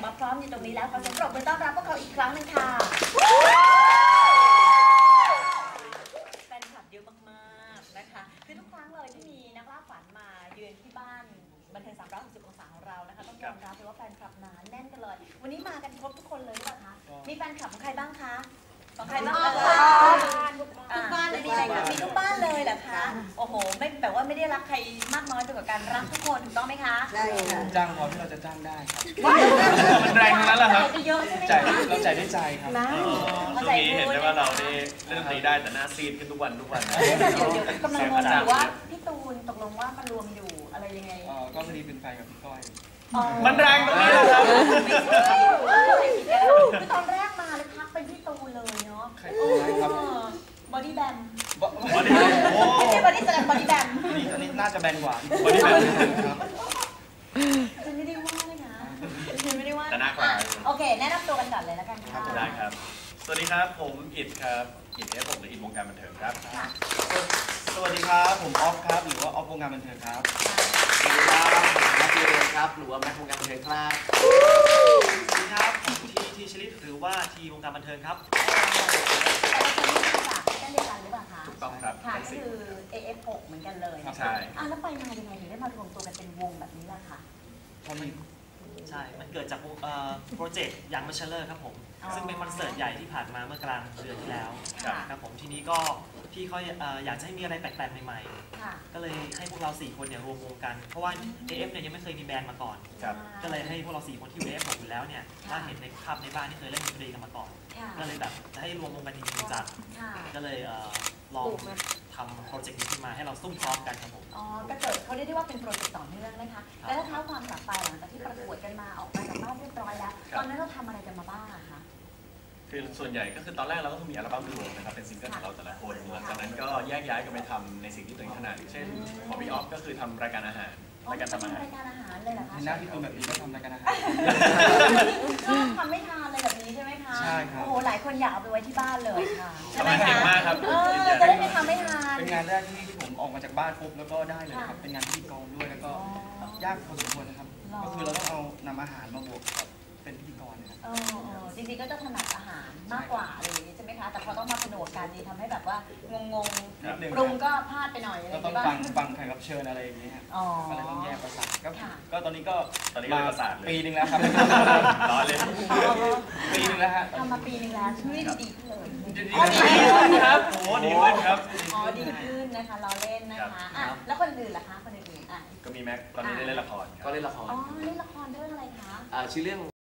มาพร้อมอยู่ตรงนี้แล้วขอเสียงปรบมือต้อนรับพวกเขาอีกครั้งหนึ่งค่ะแฟนคลับเยอะมากๆนะคะคือทุกครั้งเลยที่มีนักล่าฝันมาเยือนที่บ้านบันเทิง360 องศาของเรานะคะต้องยอมรับเลยว่าแฟนคลับหนาแน่นกันเลยวันนี้มากันครบทุกคนเลยหรือเปล่าคะมีแฟนคลับของใครบ้างคะของใครบ้างทุกบ้านเลยมีอะไรคะมีทุกบ้านเลยเหรอคะโอ้โหไม่แบบว่าไม่ได้รักใครมากน้อยไปกว่ากันรักทุกคนถูกต้องไหมคะใช่ค่ะจ้างพอที่เราจะจ้างได้ครับมันแรงทั้งนั้นแหละครับใจเยอะใช่ไหมจ่ายเราจ่ายด้วยใจครับช่วงนี้เห็นได้ว่าเราได้เล่นดนตรีได้แต่หน้าซีดขึ้นทุกวันเดี๋ยวกำลังงงอยู่ว่าพี่ตูนตกลงว่ามันรวมอยู่อะไรยังไงก็พอดีเป็นแฟนกับพี่ก้อยมันแรงตรงนี้แหละครับคือตอนแรกมาเลยทักเป็นพี่ตูนเลยเนาะบอดี้แบมบอดี้แบมโอ้ไม่ใช่บอดี้แบมบอดี้แบมอันนี้น่าจะแบนกว่าบอดี้แบมครับฉันไม่ได้ว่าเลยนะฉันไม่ได้ว่าแต่หน้ากลางโอเคแนะนำตัวกันก่อนเลยแล้วกันค่ะได้ครับสวัสดีครับผมอิดครับอิดผมหรืออิดวงการบันเทิงครับสวัสดีครับผมออฟครับหรือว่าออฟวงการบันเทิงครับสวัสดีครับผมแม็กซ์เรนครับหรือว่าแม็กซ์วงการบันเทิงครับสวัสดีครับผมทีชลิตหรือว่าทีวงการบันเทิงครับแต่ละคนนี่มาจากเดียวกันหรือเปล่าคะถูกต้องครับค่ะก็คือ AF6 เหมือนกันเลยใช่แล้วไปมายังไงถึงได้มารวมตัวกันเป็นวงแบบนี้ล่ะคะใช่มันเกิดจากโปรเจกต์ยังมัชเลอร์ครับผมซึ่งเป็นคอนเสิร์ตใหญ่ที่ผ่านมาเมื่อกลางเดือนที่แล้วครับผมทีนี้ก็พี่เขาอยากจะให้มีอะไรแปลกๆใหม่ๆก็เลยให้พวกเรา4คนเนี่ยรวมวงกันเพราะว่า AF เนี่ยยังไม่เคยมีแบรนด์มาก่อนก็เลยให้พวกเรา4คนที่อยู่ AF อยู่แล้วเนี่ยถ้าเห็นในภาพในบ้านที่เคยเล่นดนตรีกันมาก่อนก็เลยแบบจะให้รวมวงกันจริงๆจังก็เลยลองทำโปรเจกต์นี้ขึ้นมาให้เราซุ่มซ้อมกันครับผมก็เกิดเขาเรียกได้ว่าเป็นโปรเจกต์ต่อเนื่องนะคะแล้วถ้าเท้าความกลับไปหลังจากที่ประกวดกันมาออกมาจากบ้านเรียบร้อยแล้วตอนนั้นเราทำอะไรกันมาบ้างอะคะคือส่วนใหญ่ก็คือตอนแรกเราก็มีอัลบั้มรวมนะครับเป็นซิงเกิลของเราแต่ละคนหลังจากนั้นก็แยกย้ายกันไปทำในสิ่งที่ตัวเองถนัดเช่นของพี่ออฟก็คือทำรายการอาหารรายการทำอาหารเลยเหรอคะหน้าที่ตัวแบบนี้ก็ทำรายการอาหารทำไม่ทานเลยแบบนี้ใช่ไหมคะใช่ครับโอ้โหหลายคนอยากเอาไปไว้ที่บ้านเลยค่ะทำอาหารเก่งมากครับจะได้ไม่ทำไม่ทานเป็นงานแรกที่ผมออกมาจากบ้านปุ๊บแล้วก็ได้เลยครับเป็นงานพิธีกรด้วยแล้วก็ยากพอสมควรนะครับก็คือเราต้องเอานำอาหารมาบวกกับเป็นพิธีกรนะครับจริงๆก็จะถนัดอาหารมากกว่าอะไรอย่างนี้ใช่ไหมคะแต่พอต้องมาผนวกกันดีทำให้แบบว่างงๆปรุงก็พลาดไปหน่อยก็ต้องฟังแขกรับเชิญอะไรอย่างนี้ก็เลยต้องแยกประสาทก็ตอนนี้ก็มาปีนึงแล้วครับร้อนเลยปีนึงแล้วฮะทำมาปีนึงแล้วชีวิตดีขึ้นเลยดีขึ้นครับโอ้ดีขึ้นครับดีขึ้นนะคะเราเล่นนะคะแล้วคนอื่นล่ะคะคนอื่นก็มีแม็กตอนนี้ได้เล่นละครก็เล่นละครเล่นละครเรื่องอะไรคะชื่อเรื่อง